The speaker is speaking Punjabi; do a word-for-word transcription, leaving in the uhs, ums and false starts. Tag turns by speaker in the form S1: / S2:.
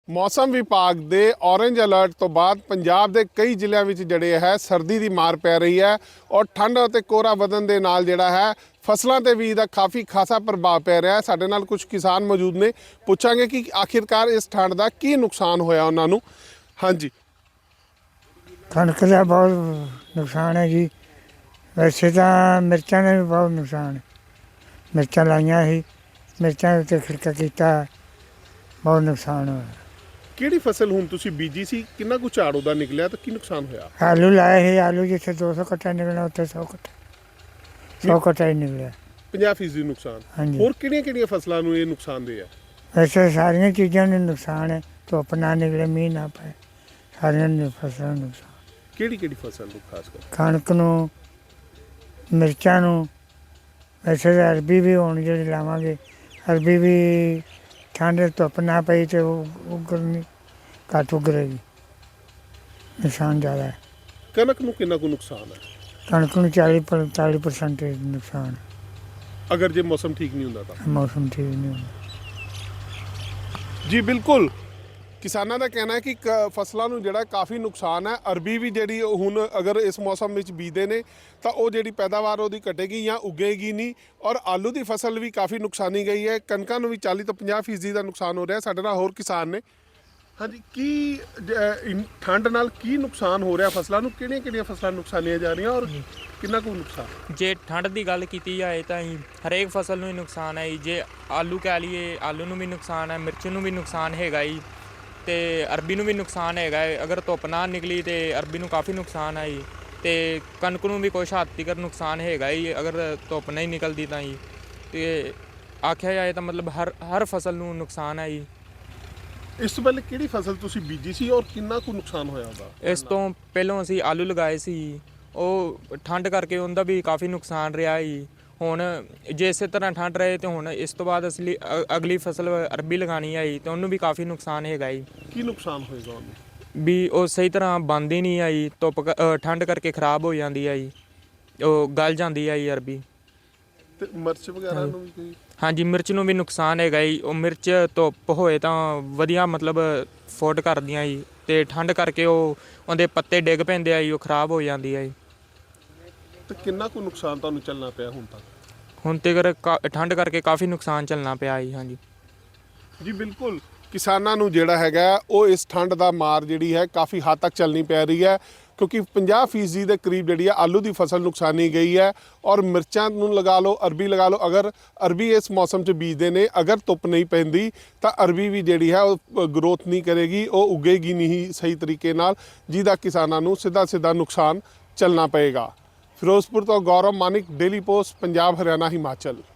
S1: ਮੌਸਮ ਵਿਭਾਗ ਦੇ ਔਰੇਂਜ ਅਲਰਟ ਤੋਂ ਬਾਅਦ ਪੰਜਾਬ ਦੇ ਕਈ ਜ਼ਿਲ੍ਹਿਆਂ ਵਿੱਚ ਜਿਹੜੇ ਹੈ ਸਰਦੀ ਦੀ ਮਾਰ ਪੈ ਰਹੀ ਹੈ ਔਰ ਠੰਡ ਅਤੇ ਕੋਹਰਾ ਵਧਣ ਦੇ ਨਾਲ ਜਿਹੜਾ ਹੈ ਫਸਲਾਂ ਤੇ ਵੀ ਇਹਦਾ ਕਾਫੀ ਖਾਸਾ ਪ੍ਰਭਾਵ ਪੈ ਰਿਹਾ ਹੈ। ਸਾਡੇ ਨਾਲ ਕੁਝ ਕਿਸਾਨ ਮੌਜੂਦ ਨੇ, ਪੁੱਛਾਂਗੇ ਕਿ ਆਖਿਰਕਾਰ ਇਸ ਠੰਡ ਦਾ ਕੀ ਨੁਕਸਾਨ ਹੋਇਆ ਉਹਨਾਂ ਨੂੰ। ਹਾਂਜੀ,
S2: ਕਣਕ ਦਾ ਬਹੁਤ ਨੁਕਸਾਨ ਹੈ ਜੀ। ਵੈਸੇ ਤਾਂ ਮਿਰਚਾਂ ਦਾ ਵੀ ਬਹੁਤ ਨੁਕਸਾਨ ਹੈ। ਮਿਰਚਾਂ ਲਾਈਆਂ ਸੀ, ਮਿਰਚਾਂ ਉੱਤੇ ਖਿੜਕਾ ਕੀਤਾ, ਬਹੁਤ ਨੁਕਸਾਨ ਹੋਇਆ।
S1: ਕਿਹੜੀ ਫਸਲ ਹੁਣ ਤੁਸੀਂ ਬੀਜੀ ਸੀ, ਕਿੰਨਾ ਕੁ ਝਾੜ ਉਹਦਾ ਨਿਕਲਿਆ ਤੇ ਕੀ ਨੁਕਸਾਨ ਹੋਇਆ?
S2: ਆਲੂ ਲਾਏ ਸੀ, ਆਲੂ ਜਿੱਥੇ ਦੋ ਸੌ ਕੱਟਾ ਨਿਕਲਣਾ ਉੱਥੇ ਸੌ ਕੱਟਾ ਸੌ ਕੱਟਾ ਹੀ ਨਿਕਲਿਆ।
S1: ਪੰਜਾਹ ਫੀਸਦੀ ਨੁਕਸਾਨ।
S2: ਹਾਂਜੀ।
S1: ਹੋਰ ਕਿਹੜੀਆਂ ਕਿਹੜੀਆਂ ਫਸਲਾਂ ਨੂੰ ਇਹ ਨੁਕਸਾਨ ਦੇ ਆ?
S2: ਵੈਸੇ ਸਾਰੀਆਂ ਚੀਜ਼ਾਂ ਨੂੰ ਨੁਕਸਾਨ ਹੈ। ਧੁੱਪ ਨਾ ਨਿਕਲੇ, ਮੀਂਹ ਨਾ ਪਏ, ਸਾਰੀਆਂ ਨੂੰ ਫਸਲਾਂ ਨੂੰ ਨੁਕਸਾਨ।
S1: ਕਿਹੜੀ ਕਿਹੜੀ ਫਸਲ ਨੂੰ ਖਾਸ ਕਰ?
S2: ਕਣਕ ਨੂੰ, ਮਿਰਚਾਂ ਨੂੰ। ਵੈਸੇ ਤਾਂ ਅਰਬੀ ਵੀ ਹੁਣ ਜਿਹੜੀ ਲਾਵਾਂਗੇ, ਅਰਬੀ ਵੀ ਠੰਡ ਧੁੱਪ ਨਾ ਪਈ ਤੇ ਉਹ ਉਗਰਨੀ ਘੱਟ ਉਗਰੇਗੀ, ਨੁਕਸਾਨ ਜ਼ਿਆਦਾ ਹੈ।
S1: ਕਣਕ ਨੂੰ ਕਿੰਨਾ ਕੁ ਨੁਕਸਾਨ ਹੈ?
S2: ਕਣਕ ਨੂੰ ਚਾਲੀ ਪੰਤਾਲੀ ਪਰਸੈਂਟ ਨੁਕਸਾਨ ਹੈ।
S1: ਅਗਰ ਜੇ ਮੌਸਮ ਠੀਕ ਨਹੀਂ ਹੁੰਦਾ ਤਾਂ?
S2: ਮੌਸਮ ਠੀਕ ਨਹੀਂ ਹੁੰਦਾ।
S1: ਜੀ ਬਿਲਕੁਲ, ਕਿਸਾਨਾਂ ਦਾ ਕਹਿਣਾ ਹੈ ਕਿ ਕ- ਫਸਲਾਂ ਨੂੰ ਜਿਹੜਾ ਕਾਫੀ ਨੁਕਸਾਨ ਹੈ। ਅਰਬੀ ਵੀ ਜਿਹੜੀ ਉਹ ਹੁਣ ਅਗਰ ਇਸ ਮੌਸਮ ਵਿੱਚ ਬੀਜਦੇ ਨੇ ਤਾਂ ਉਹ ਜਿਹੜੀ ਪੈਦਾਵਾਰ ਉਹਦੀ ਘਟੇਗੀ ਜਾਂ ਉਗੇਗੀ ਨਹੀਂ। ਔਰ ਆਲੂ ਦੀ ਫਸਲ ਵੀ ਕਾਫੀ ਨੁਕਸਾਨੀ ਗਈ ਹੈ। ਕਣਕਾਂ ਨੂੰ ਵੀ ਚਾਲੀ ਤੋਂ ਪੰਜਾਹ ਫੀਸਦੀ ਦਾ ਨੁਕਸਾਨ ਹੋ ਰਿਹਾ। ਸਾਡੇ ਨਾਲ ਹੋਰ ਕਿਸਾਨ ਨੇ। ਹਾਂਜੀ, ਕੀ ਜ- ਇਨ- ਠੰਡ ਨਾਲ ਕੀ ਨੁਕਸਾਨ ਹੋ ਰਿਹਾ ਫਸਲਾਂ ਨੂੰ? ਕਿਹੜੀਆਂ ਕਿਹੜੀਆਂ ਫਸਲਾਂ ਨੁਕਸਾਨੀਆਂ ਜਾ ਰਹੀਆਂ ਔਰ ਕਿੰਨਾ ਕੁ ਨੁਕਸਾਨ?
S3: ਜੇ ਠੰਡ ਦੀ ਗੱਲ ਕੀਤੀ ਜਾਏ ਤਾਂ ਹੀ ਹਰੇਕ ਫਸਲ ਨੂੰ ਹੀ ਨੁਕਸਾਨ ਹੈ ਜੀ। ਜੇ ਆਲੂ ਕਹਿ ਲਈਏ, ਆਲੂ ਨੂੰ ਵੀ ਨੁਕਸਾਨ ਹੈ, ਮਿਰਚ ਨੂੰ ਵੀ ਨੁਕਸਾਨ ਹੈਗਾ ਜੀ, ਤੇ ਅਰਬੀ ਨੂੰ ਵੀ ਨੁਕਸਾਨ ਹੈਗਾ ਹੈ। ਅਗਰ ਧੁੱਪ ਨਾ ਨਿਕਲੀ ਤੇ ਅਰਬੀ ਨੂੰ ਕਾਫੀ ਨੁਕਸਾਨ ਹੈ ਜੀ, ਤੇ ਕਣਕ ਨੂੰ ਵੀ ਕੁਛ ਹੱਦ ਤੱਕ ਨੁਕਸਾਨ ਹੈਗਾ ਜੀ ਅਗਰ ਧੁੱਪ ਨਹੀਂ ਨਿਕਲਦੀ ਤਾਂ ਜੀ। ਤੇ ਆਖਿਆ ਜਾਏ ਤਾਂ ਮਤਲਬ ਹਰ ਹਰ ਫਸਲ ਨੂੰ ਨੁਕਸਾਨ ਹੈ ਜੀ।
S1: ਇਸ ਤੋਂ ਪਹਿਲੇ ਕਿਹੜੀ ਫਸਲ ਤੁਸੀਂ ਬੀਜੀ ਸੀ ਔਰ ਕਿੰਨਾ ਕੁ ਨੁਕਸਾਨ ਹੋਇਆ ਉਹਦਾ?
S3: ਇਸ ਤੋਂ ਪਹਿਲਾਂ ਅਸੀਂ ਆਲੂ ਲਗਾਏ ਸੀ, ਉਹ ਠੰਡ ਕਰਕੇ ਉਹਦਾ ਵੀ ਕਾਫੀ ਨੁਕਸਾਨ ਰਿਹਾ ਜੀ। ਹੁਣ ਜੇ ਇਸੇ ਤਰ੍ਹਾਂ ਠੰਡ ਰਹੇ ਤੇ ਹੁਣ ਇਸ ਤੋਂ ਬਾਅਦ ਅਸੀਂ ਅ- ਅਗਲੀ ਫਸਲ ਅਰਬੀ ਲਗਾਉਣੀ ਹੈ ਜੀ, ਤੇ ਉਹਨੂੰ ਵੀ ਕਾਫੀ ਨੁਕਸਾਨ ਹੈਗਾ ਜੀ।
S1: ਕੀ ਨੁਕਸਾਨ ਹੋਏਗਾ ਉਹਨੂੰ?
S3: ਵੀ ਉਹ ਸਹੀ ਤਰ੍ਹਾਂ ਬਣਦੀ ਨਹੀਂ ਆਈ, ਧੁੱਪ ਕ- ਅ, ਠੰਡ ਕਰਕੇ ਖਰਾਬ ਹੋ ਜਾਂਦੀ ਹੈ ਜੀ, ਉਹ ਗਲ ਜਾਂਦੀ ਹੈ ਜੀ ਅਰਬੀ।
S1: ਤੇ ਮਿਰਚ ਵਗੈਰਾ ਨੂੰ ਵੀ ਕੋਈ?
S3: ਹਾਂਜੀ, ਮਿਰਚ ਨੂੰ ਵੀ ਨੁਕਸਾਨ ਹੈਗਾ ਜੀ। ਉਹ ਮਿਰਚ ਧੁੱਪ ਹੋਏ ਤਾਂ ਵਧੀਆ ਮਤਲਬ ਫੁੱਟ ਕਰਦੀਆਂ ਜੀ, ਤੇ ਠੰਡ ਕਰਕੇ ਉਹ ਉਹਦੇ ਪੱਤੇ ਡਿੱਗ ਪੈਂਦੇ ਆ ਜੀ, ਉਹ ਖਰਾਬ ਹੋ ਜਾਂਦੀ ਹੈ ਜੀ।
S1: ਤੇ ਕਿੰਨਾ ਕੁ ਨੁਕਸਾਨ ਤੁਹਾਨੂੰ ਚੱਲਣਾ ਪਿਆ ਹੁਣ ਤੱਕ?
S3: ਹੁਣ ਤੱਕ ਠੰਡ ਕਰਕੇ ਕਾਫੀ ਨੁਕਸਾਨ ਝੱਲਣਾ ਪਿਆ ਜੀ। ਹਾਂਜੀ
S1: ਜੀ ਬਿਲਕੁਲ, ਕਿਸਾਨਾਂ ਨੂੰ ਜਿਹੜਾ ਹੈਗਾ ਉਹ ਇਸ ਠੰਡ ਦਾ ਮਾਰ ਜਿਹੜੀ ਹੈ ਕਾਫੀ ਹੱਦ ਤੱਕ ਚੱਲਣੀ ਪੈ ਰਹੀ ਹੈ, ਕਿਉਂਕਿ ਪੰਜਾਹ ਫੀਸਦੀ ਦੇ ਕਰੀਬ ਜਿਹੜੀ ਹੈ ਆਲੂ ਦੀ ਫਸਲ ਨੁਕਸਾਨੀ ਗਈ ਹੈ। ਔਰ ਮਿਰਚਾਂ ਨੂੰ ਲਗਾ ਲਓ, ਅਰਬੀ ਲਗਾ ਲਓ। ਅਗਰ ਅਰਬੀ ਇਸ ਮੌਸਮ 'ਚ ਬੀਜਦੇ ਨੇ, ਅਗਰ ਧੁੱਪ ਨਹੀਂ ਪੈਂਦੀ ਤਾਂ ਅਰਬੀ ਵੀ ਜਿਹੜੀ ਹੈ ਉਹ ਗਰੋਥ ਨਹੀਂ ਕਰੇਗੀ, ਉਹ ਉਗੇਗੀ ਨਹੀਂ ਸਹੀ ਤਰੀਕੇ ਨਾਲ, ਜਿਹਦਾ ਕਿਸਾਨਾਂ ਨੂੰ ਸਿੱਧਾ ਸਿੱਧਾ ਨੁਕਸਾਨ ਚੱਲਣਾ ਪਏਗਾ। ਫਿਰੋਜ਼ਪੁਰ ਤੋਂ ਗੌਰਵ ਮਾਨਿਕ, ਡੇਲੀ ਪੋਸਟ, ਪੰਜਾਬ, ਹਰਿਆਣਾ, ਹਿਮਾਚਲ।